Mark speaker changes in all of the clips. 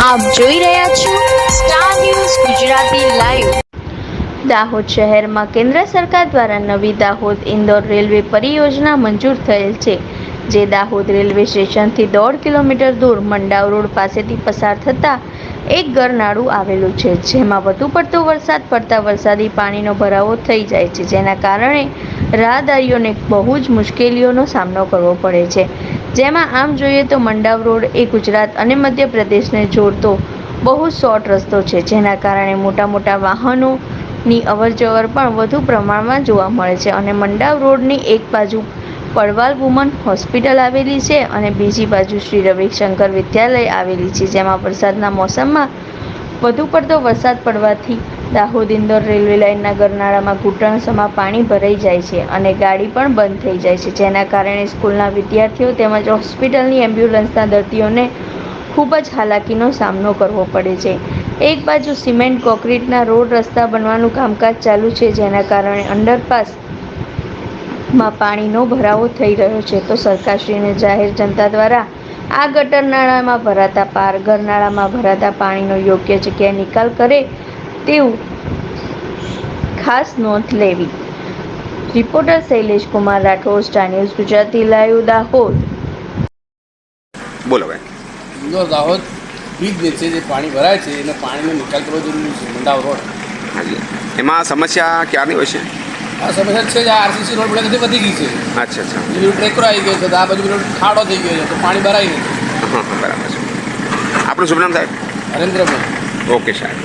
Speaker 1: આપ જોઈ રહ્યા છો Star news Gujarati live. Dahod શહેરમાં કેન્દ્ર સરકાર દ્વારા નવી દાહોદ ઇન્દોર રેલવે પરિયોજના મંજૂર થયેલ છે, જે દાહોદ રેલવે સ્ટેશનથી 1.5 કિલોમીટર દૂર મંડાવ રોડ પાસેથી પસાર થતા એક ગરનાળું આવેલું છે, જેમાં વધુ પડતો વરસાદ પડતા વરસાદી પાણીનો ભરાવો થઈ જાય છે, જેના કારણે રાહદારીઓને બહુ જ મુશ્કેલીઓનો સામનો કરવો પડે છે। જેમાં આમ જોઈએ તો મંડાવ રોડ એ ગુજરાત અને મધ્યપ્રદેશને જોડતો બહુ શોર્ટ રસ્તો છે, જેના કારણે મોટા વાહનોની અવરજવર પણ વધુ પ્રમાણમાં જોવા મળે છે અને મંડાવ રોડની એક બાજુ પડવાલ વુમન હોસ્પિટલ આવેલી છે અને બીજી બાજુ શ્રી રવિશંકર વિદ્યાલય આવેલી છે, જેમાં વરસાદના મોસમમાં વધુ પડતો વરસાદ પડવાથી દાહોદ ઇન્દોર રેલવે લાઇનના ગરનાળામાં ઘૂંટણસમાં પાણી ભરાઈ જાય છે અને ગાડી પણ બંધ થઈ જાય છે, જેના કારણે સ્કૂલના વિદ્યાર્થીઓ તેમજ હોસ્પિટલની એમ્બ્યુલન્સના દર્દીઓને ખૂબ જ હાલાકીનો સામનો કરવો પડે છે। એક બાજુ સિમેન્ટ કોન્ક્રીટના રોડ રસ્તા બનવાનું કામકાજ ચાલુ છે, જેના કારણે અંડરપાસમાં પાણીનો ભરાવો થઈ રહ્યો છે, તો સરકારશ્રીને જાહેર જનતા દ્વારા આ ગટર નાળામાં ભરાતા ગરનાળામાં ભરાતા પાણીનો યોગ્ય જગ્યાએ નિકાલ કરે તેવું ખાસ નોંધ લેવી। Reporter Shailesh Kumar Rathod, star news Gujarati live, Dahod.
Speaker 2: બોલો ભાઈ।
Speaker 3: ઇન્દોર દાહોદ બ્રિજ જે છે, જે પાણી ભરાય છે એને પાણીનો નિકાલ કરવો જરૂરી છે। મંડાવ રોડ
Speaker 2: હાજી, એમાં સમસ્યા ક્યારની હોય છે?
Speaker 3: આ સમસ્યા છે, આ આરસીસી રોડ પડે વધી ગઈ છે।
Speaker 2: અચ્છા અચ્છા,
Speaker 3: એ બધું ટ્રેકરો આવી ગયો છે, તો આ બાજુ બધો ખાડો થઈ ગયો છે, તો પાણી ભરાય નહીં।
Speaker 2: હા હા, બરાબર છે। આપણું શુભ નામ સાહેબ?
Speaker 3: નરેન્દ્રભાઈ।
Speaker 2: ઓકે સાહેબ।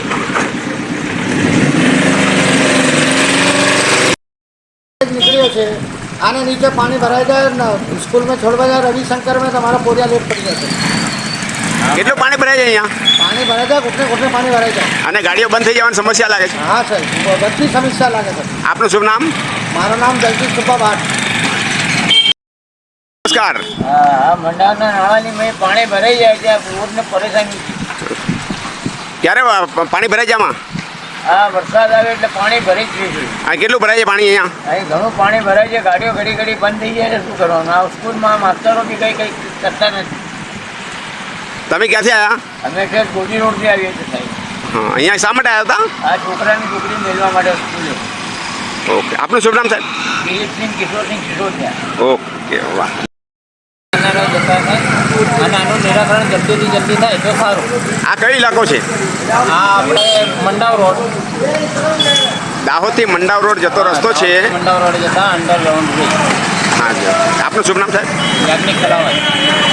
Speaker 4: निकलियो છે आने नीचे पानी भराई जाए ना स्कूल में छोड़वा जाए रविशंकर में तुम्हारा पोरिया लेट पड़ी जाए।
Speaker 2: કેટલું પાણી ભરાય છે અહીંયા?
Speaker 4: पानी भराई जाए घुटने घुटने पानी भराई जाए
Speaker 2: અને ગાડીઓ બંધ થઈ જવાની સમસ્યા લાગે છે?
Speaker 4: हाँ सर, बड़ी समस्या लागे सर।
Speaker 2: આપનું શુભ નામ?
Speaker 4: मारो नाम जगदीश सुब्बा भाट।
Speaker 2: નમસ્કાર।
Speaker 5: હા, મંડાવના નાળાની મેં પાણી ભરાઈ જાય છે, રોડને પરેશાની છે।
Speaker 2: ક્યારે પાણી ભરાય છે આમાં?
Speaker 5: હા, વરસાદ આવે એટલે પાણી ભરાઈ જ છે।
Speaker 2: આ કેટલું ભરાય છે પાણી અહીંયા?
Speaker 5: અહીં ઘણું પાણી ભરાય છે, ગાડીઓ ઘડી ઘડી બંધ થઈ જાય છે, શું કરવાનું? આ સ્કૂલમાં માસ્તરો બી કંઈ કરતા નથી।
Speaker 2: તમે ક્યાંથી આવ્યા?
Speaker 5: અમે ખેર ગોજી રોડથી આવીએ છીએ સાહેબ।
Speaker 2: હા, અહીંયા શા માટે આવ્યા હતા?
Speaker 5: આ છોકરાની છોકરી મેળવા માટે સ્કૂલે।
Speaker 2: ઓકે, આપનું શુભ નામ સાહેબ?
Speaker 5: દિલીપસિંહ કિશોરસિંહ સિસોદિયા।
Speaker 2: ઓકે, વાહ।
Speaker 5: જતા થાય અને આનું નિરાકરણ જલ્દીથી જલ્દી થાય તો સારું।
Speaker 2: આ કયો ઇલાકો છે?
Speaker 5: આ આપણે મંડાવ રોડ,
Speaker 2: દાહોદથી મંડાવ રોડ જતો રસ્તો છે।
Speaker 5: મંડાવ રોડ જતા અંડરગ્રાઉન્ડ બ્રિજ।
Speaker 2: હા જી, આપનું શુભ નામ સાહેબ?
Speaker 5: યાજ્ઞિક કલાવાય।